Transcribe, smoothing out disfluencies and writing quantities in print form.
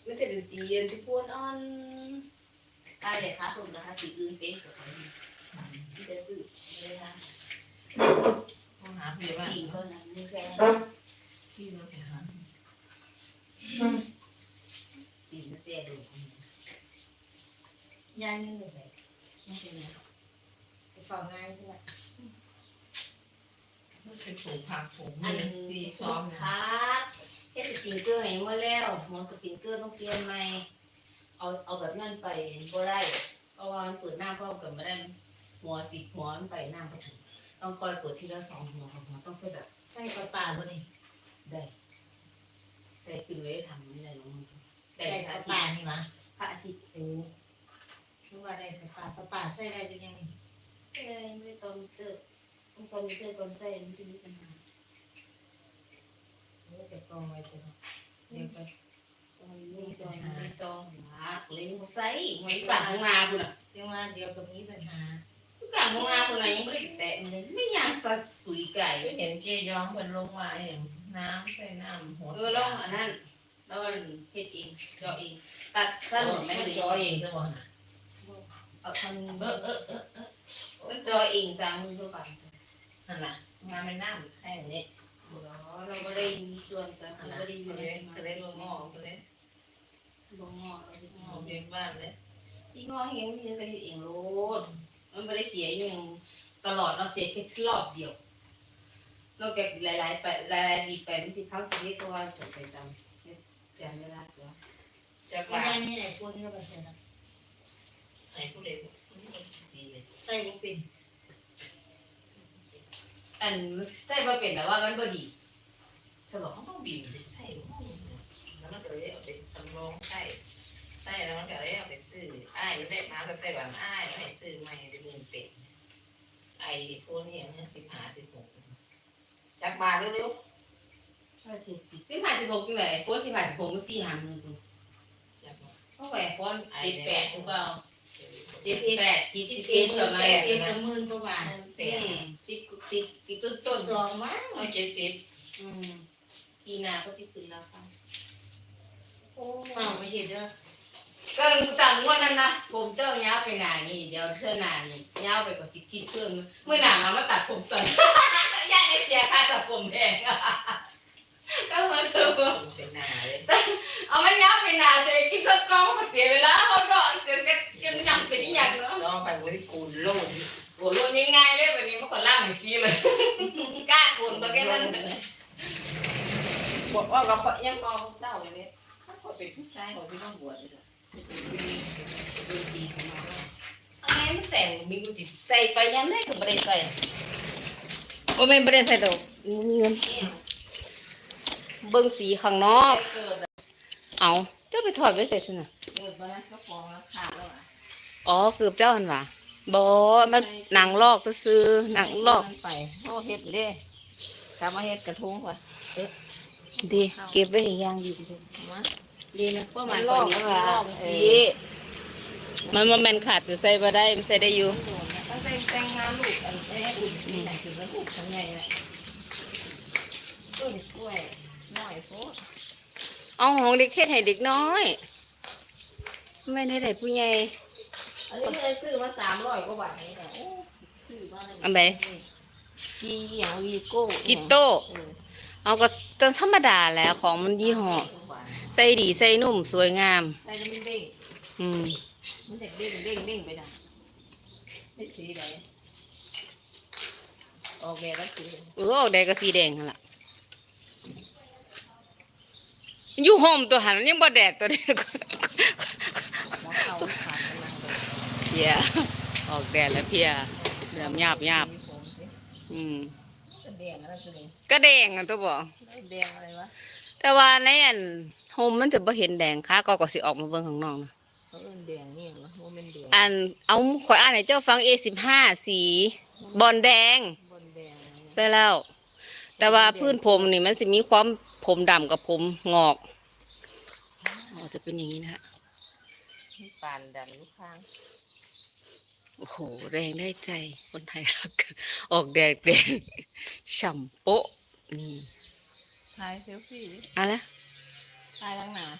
มันจะเป็นสีที่พูนอ่อนตายเลยค่ะผมนะคะสีอื่นเต็มกับเขาที่จะซื้อเลยค่ะต้องหาพี่ว่าปีก็นั้นไม่ใช่พี่เราไปหาปีนเสียดูยายไม่ใส่ไม่เป็นไรไปฟังง่ายด้วยต้องไปปลูกผักปลูกอันสีนี้ซ้ซ้ออมมนะพักแค่สปริงเกอร์ให้หมดแล้วหมอสปริงเกอร์ต้องเปลี่ยนใหม่เอาแบบนั้นไปก็ได้เพราะว่ามันเปิดหน้าก็เกิดไม่ได้หัว10 หัวมันไปหน้าไปถึงต้องคอยเปิดทีละ2 หัวต้องใส่แบบใส่ปลาบ่นี่ได้แต่คือเลยทำไม่ได้ลงแต่ได้พระอาปทิลาตย์นี่วะพระอาทิตย์โอ้รู้ว่าได้ปลาใส่ได้เป็นยังไงไม่ต้องมิเตอร์ต้องตอนมิเตอร์ก่อนใส่มันจะมีปัญหาโอ้แต่กองไว้ตัวเนาะเดี๋ยวก็ตอนนี้ตอนนี้ต้องหาเลยมาใส่ไว้ฝั่งของนาคุณอ่ะเดี๋ยวว่าเดี๋ยวก็มีปัญหาฝั่งของนาคุณอ่ะยังไม่ได้แตะมันเลยไม่อยากสัตว์สุยไก่ไปเห็นเกย้องเป็นลงมาเองน้ำใส่น้ำหัวลองอันนั้นแล้วมันเฮ็ดเองเจาะเองตัดสั้นไม่เลยจอเองซะบ่เอาทำมันเจาะเองสามมือตัวกันนั่นน่ะมาเป็นน้ำแค่นี้เราไม่ได้มีส่วนกันนั่นเราน่ะไม่ได้อยู่ก็ในเลยสมาก็เลชิยกลงหม้อก็เลยบ่งอเราหม้อเบี้ยบ้านเลยพี่งอเห็นมีแต่เองโลดมันไม่ได้เสียอย่างตลอดเราเสียแค่รอบเดียวเราเก็บหลายๆไปหลายๆปีไปมันสิพักชีวิตตัวจดไปจำเวลาตัวจะไม่ว่าได้มีไหนฟุ้นก็บ่ใส่นะให้ผู้เด็กดีเลยใส่บ่เป็นอันใช่ว่าเป็นแต่ว่ามันบ่ดีจะบอกเขาต้องบีบไปใส่หม้อแล้วมันก็เลยเอาไปตำรองใส่แล้วมันก็เลยเอาไปซื้ออ้ายมันได้มาแต่บ้านอ้ายไม่ซื้อใหม่ได้10,000เป็ดไอ้พวกนี้มัน15 16จักมาเร็วใช่15 16จังได๋โฟน15 16มัน4-5 หมื่นพุ่นๆจักมาเพราะว่าโฟน78พุ่นก็เอา 11 71ประมาณ 11กับหมื่นกว่าบาท 10ต้นสองมั้งเอา70 ปีหน้าก็สิขึ้นแล้วค่ะโอ้เฝ้าไม่เห็นเด้อก็จำว่านั้นนะผมเจ้าย้าไปหนานี่เดี๋ยวเธอหนานี่ย้าไปกว่าสิคิดเพิ่มเมื่อหนามาตัดผมสั้นย่าได้เสียค่าตัดผมแพงก็มาเธอเป็นหน้าเลยเอาไม่ย้าไปหนาเลยคิดสักกองก็เสียเวลาเขารอจนยังเป็นอย่างเนาะลองไปบริกูลโลดโอ้โหง่ายๆเลยวันนี้มันก็ล่างให้ฟรีเลยกล้าโกนมาแค่นั้นบอกว่าเรายังมองเศร้าอย่างนี้ถ้าคนเป็นผู้ชายเขาจะต้องบวชเลยดูสีของมันอะไรมันแสงมีกูจิตใส่ไปยังได้ก็ไม่ได้ใส่ก็ไม่ได้ใส่ดอกมีเงินเบิ่งสีข้างนอก เอาเจ้าไปถอดไว้ใส่สินะเกิดมาแล้วเขาฟ้องแล้วขาดแล้วอ่ะอ๋อเกือบเจ้าหันว่าบ่มันหนังลอกก็ซื้อหนังลอกไปโอ้เฮ็ดเด้กลับมาเฮ็ดกระทงว่ะดีเก็บไว้ให้ย่างดีมาดีนะเพราะมันลอกนี้แล้วลอกสีมันบ่แม่นขาดจะใส่บ่ได้มันใส่ได้อยู่ตั้งแต่งงานลูกอันแม่อุ่นนี่ถือว่าลูกทำไงอ่ะต้นกล้วยน้อยโพดเอาของเด็กเฮ็ดให้เด็กน้อยไม่ได้ให้ผู้ใหญ่อันนี้เคยซื้อมา300กว่าบาทนี่แหละโอ้ซื้อมาอันใดกีอย่างวีโก้กิโต้เอาก็จนธรรมดาแหล้วของมันยี่ห้อใส่ดีใส่นุ่มสวยงามใส่แล้วมันเด้งอืมมันเด็กเด้งเด้งเด้งไปนะไม่สีไหนออกแบบแล้วสีออกแดงก็สีแดงหั่นล่ะอยู่ห่มตัวหันมันยังบ่แดดตัวเดียวหัวเข่าขาดกำลังเลยเพียออกแดดแล้วเพียเริ่มหยาบอืมก็แดงอะไรตัวนี้ก็แดงอ่ะตัวบอกแดงอะไรวะแต่ว่าในอันโฮมมันจะบ่เห็นแดงค่ะก็สิออกมาเบิ่งข้างนอกนะเขาเอิ้นแดงนี่เหรอว่ามันแดงอันเอาข่อยอ่านให้เจ้าฟัง A15 สีบอลแดงบนแดงใช่แล้ว แต่ว่าพื้นผมนี่มันสิมีความผมดำกับผมงอกอ๋อจะเป็นอย่างนี้นะฮะมีปานดำลูกค้างโอ้โหแรงได้ใจคนไทยรักออกแดงแดงฉ่ำโป๊ะนี่ถ่ายเซลฟี่เอะไรถ่ายล้างหน้า